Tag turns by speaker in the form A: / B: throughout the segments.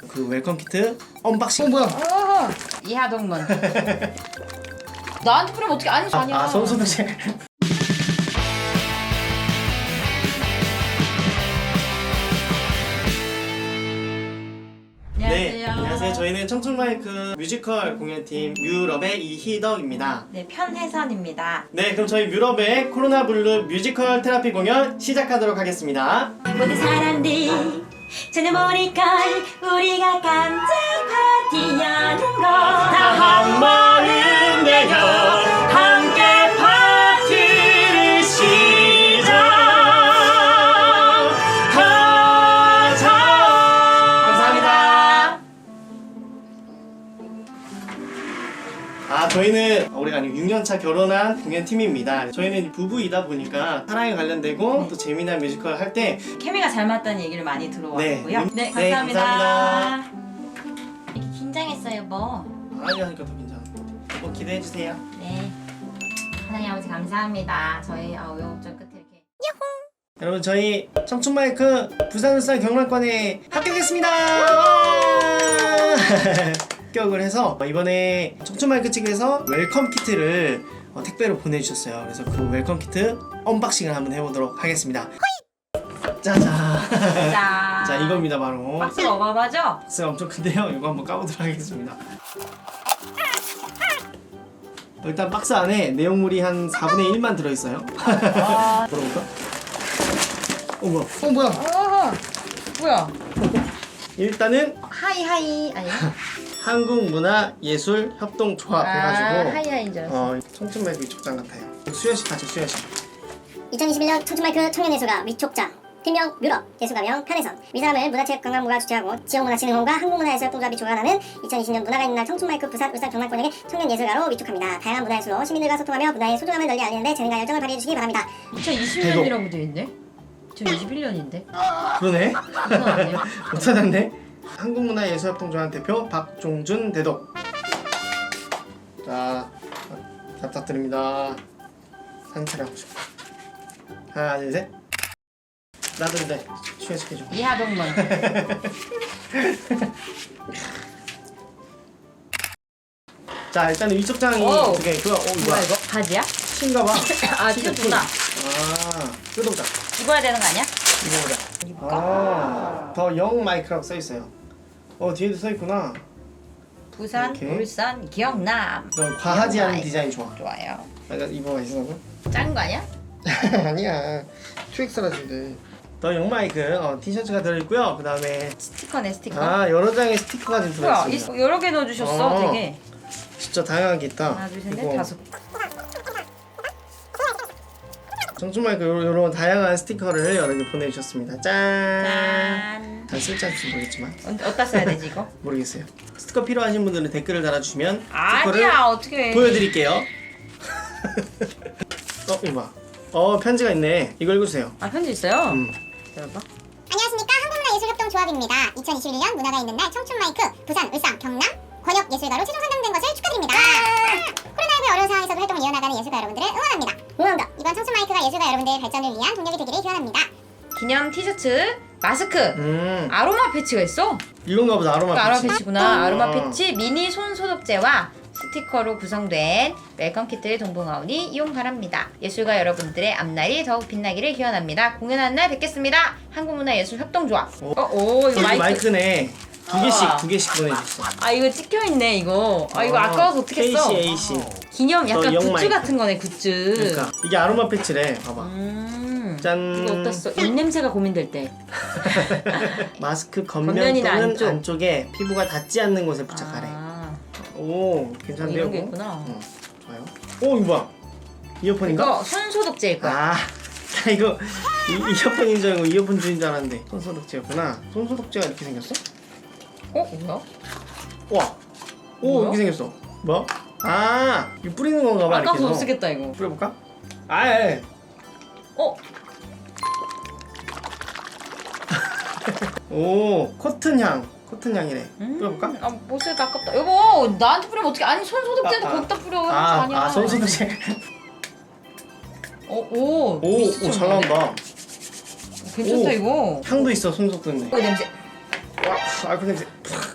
A: 그 웰컴 키트 언박싱. 뭐야?
B: 이하동문. 나한테 뿌리면 어떻게 아니야.
A: 손소독제. 네, 안녕하세요. 저희는 청춘마이크 뮤지컬 공연팀 뮤럽의 이희덕입니다.
B: 네, 편혜선입니다.
A: 네, 그럼 저희 뮤럽의 코로나 블루 뮤지컬 테라피 공연 시작하도록 하겠습니다.
C: 모든 사람들 전혀 모를걸 우리가 깜짝 파티하는 거
A: 다 한 마음 되어 함께 파티를 시작하자. 감사합니다. 저희는 올해가 아니고 6년차 결혼한 공연팀입니다. 저희는 부부이다 보니까 사랑에 관련되고 또 재미난 뮤지컬 할 때
B: 케미가 잘 맞다는 얘기를 많이 들어왔고요. 네,
A: 네,
B: 감사합니다.
A: 감사합니다.
C: 이렇게 긴장했어요 뭐.
A: 아니 하니까 더 괜찮아. 뭐 기대해주세요.
C: 네, 하나님 아버지 감사합니다. 저희 우여곡절 끝에 이렇게
A: 여러분, 저희 청춘마이크 부산 울산 경남권에 합격했습니다. 합격을 해서 이번에 청춘마이크 측에서 웰컴 키트를 택배로 보내주셨어요. 그래서 그 웰컴 키트 언박싱을 한번 해보도록 하겠습니다. 짜잔. 자, 이겁니다. 바로
B: 박스가 어마어마하죠?
A: 박스가 엄청 큰데요. 이거 한번 까보도록 하겠습니다. 일단 박스 안에 내용물이 한 4분의 1만 들어있어요. 물어볼까? 뭐야? 뭐야?
B: 뭐야?
A: 일단은
B: 하이하이 아니야?
A: 한국문화예술협동조합 해가지고
B: 하이하이인 줄 알았어.
A: 청춘마이크 위촉장 같아요. 수여식 가죠, 수여식.
D: 2021년 청춘마이크 청년예술가 위촉장 팀명 뮤럽, 예술가명 편혜선, 위사람을 문화체육관광부가 주최하고 지역문화진흥원과 한국문화예술협동조합이 주관하는 2020년 문화가 있는 날 청춘마이크 부산 울산 경남권에게 청년예술가로 위촉합니다. 다양한 문화예술로 시민들과 소통하며 문화의 소중함을 널리 알리는 데 재능과 열정을 발휘해주시기 바랍니다.
B: 2020년이라고 되어 있네. 지금 21년인데.
A: 그러네?
B: 그건 아니에요.
A: 못 찾았네? 한국문화예술협동조합 대표 박종준 대독. 자, 잘 부탁드립니다. 사진 촬영하고 싶어. 하나, 둘, 셋. 나도 근데 수여시켜줘.
B: 이하동문.
A: 자, 일단은 위촉장이
B: 오.
A: 되게 있고요.
B: 뭐야 이거? 바지야?
A: 신가봐.
B: 티셔츠구나.
A: 뜯어보자.
B: 입어야 되는 거 아니야?
A: 입어보자. 더 영 마이크라고 써있어요. 뒤에도 써있구나.
B: 부산,
A: 이렇게.
B: 울산, 경남.
A: 너 과하지 않은 디자인 좋아.
B: 좋아요.
A: 약간 입어가 있어서.
B: 작은 거 아니야?
A: 아니야. 2X라진데. 더 영 마이크 티셔츠가 들어있고요. 그 다음에
B: 스티커네 스티커.
A: 여러 장의 스티커가 좀
B: 뭐야?
A: 들어있습니다.
B: 여러 개 넣어주셨어. 되게.
A: 진짜 다양한 게 있다.
B: 하나, 둘, 셋, 넷,
A: 이거
B: 다섯.
A: 청춘마이크 요런 다양한 스티커를 여러 개 보내주셨습니다. 짠.
B: 짠.
A: 잘 쓸지 않을지 모르겠지만
B: 어디다 써야 되지 이거?
A: 모르겠어요. 스티커 필요하신 분들은 댓글을 달아주시면 스티커를
B: 아니야 어떻게?
A: 보여드릴게요. 이거 봐. 편지가 있네. 이거 읽어주세요.
B: 편지 있어요? 열어봐.
D: 안녕하십니까, 한국문화예술협동조합입니다. 2021년 문화가 있는 날 청춘마이크 부산 울산 경남 권역예술가로 최종 선정된 것을 축하드립니다. 코로나19의 어려운 상황에서도 활동을 이어나가는 예술가 여러분들을 응원합니다. 이번 청춘마이크가 예술가 여러분들의 발전을 위한 동력이 되기를 기원합니다.
B: 기념 티셔츠, 마스크,
A: 음,
B: 아로마 패치가 있어.
A: 이건가 보다. 아로마
B: 아로마
A: 패치.
B: 패치구나. 아로마 패치, 미니 손 소독제와 스티커로 구성된 웰컴 키트를 동봉하오니 이용 바랍니다. 예술가 여러분들의 앞날이 더욱 빛나기를 기원합니다. 공연하는 날 뵙겠습니다. 한국문화예술협동조합. 이거
A: 여기 마이크네. 두 개씩 보내줬어.
B: 이거 찍혀 있네 이거. 이거 아까워서 어떻게 써?
A: KCAC.
B: 기념 약간
A: 영
B: 굿즈
A: 마이크.
B: 같은 거네 굿즈.
A: 그러니까 이게 아로마 패치래. 봐봐. 짠.
B: 이거 어디다 써? 입냄새가 고민될 때.
A: 마스크 겉면
B: 겉면이나
A: 또는
B: 안쪽.
A: 안쪽에 피부가 닿지 않는 곳에 부착하래. 오, 괜찮네요.
B: 이런 게
A: 이거?
B: 있구나.
A: 좋아요. 이거 뭐야? 이어폰인가?
B: 이거 손 소독제일 거야.
A: 나 이거 이어폰인 줄 알고 이어폰 주인 줄 알았는데 손소독제였구나. 손소독제가 이렇게 생겼어?
B: 뭐야?
A: 와, 오
B: 뭐야?
A: 이렇게 생겼어. 뭐? 이거 뿌리는 건가 봐.
B: 아까워서
A: 이렇게
B: 못
A: 해서.
B: 쓰겠다 이거.
A: 뿌려볼까? 오, 코튼향. 코튼향이래. 뿌려볼까?
B: 못 쓰겠다 아깝다. 여보 나한테 뿌리면 어떻게? 아니 손 소독제도 거기다 뿌려. 아니야.
A: 손소독제.
B: 오,
A: 오, 잘 나온다.
B: 괜찮다
A: 오.
B: 이거.
A: 향도 있어, 손소독제.
B: 냄새.
A: 와, 알코올 냄새.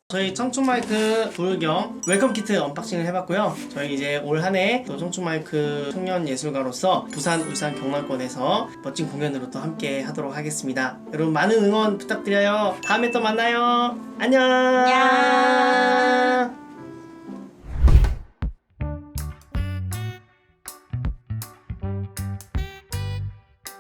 A: 저희 청춘마이크 불경 웰컴 키트 언박싱을 해봤고요. 저희 이제 올 한해 또 청춘마이크 청년 예술가로서 부산, 울산, 경남권에서 멋진 공연으로 또 함께 하도록 하겠습니다. 여러분 많은 응원 부탁드려요. 다음에 또 만나요. 안녕.
B: 안녕.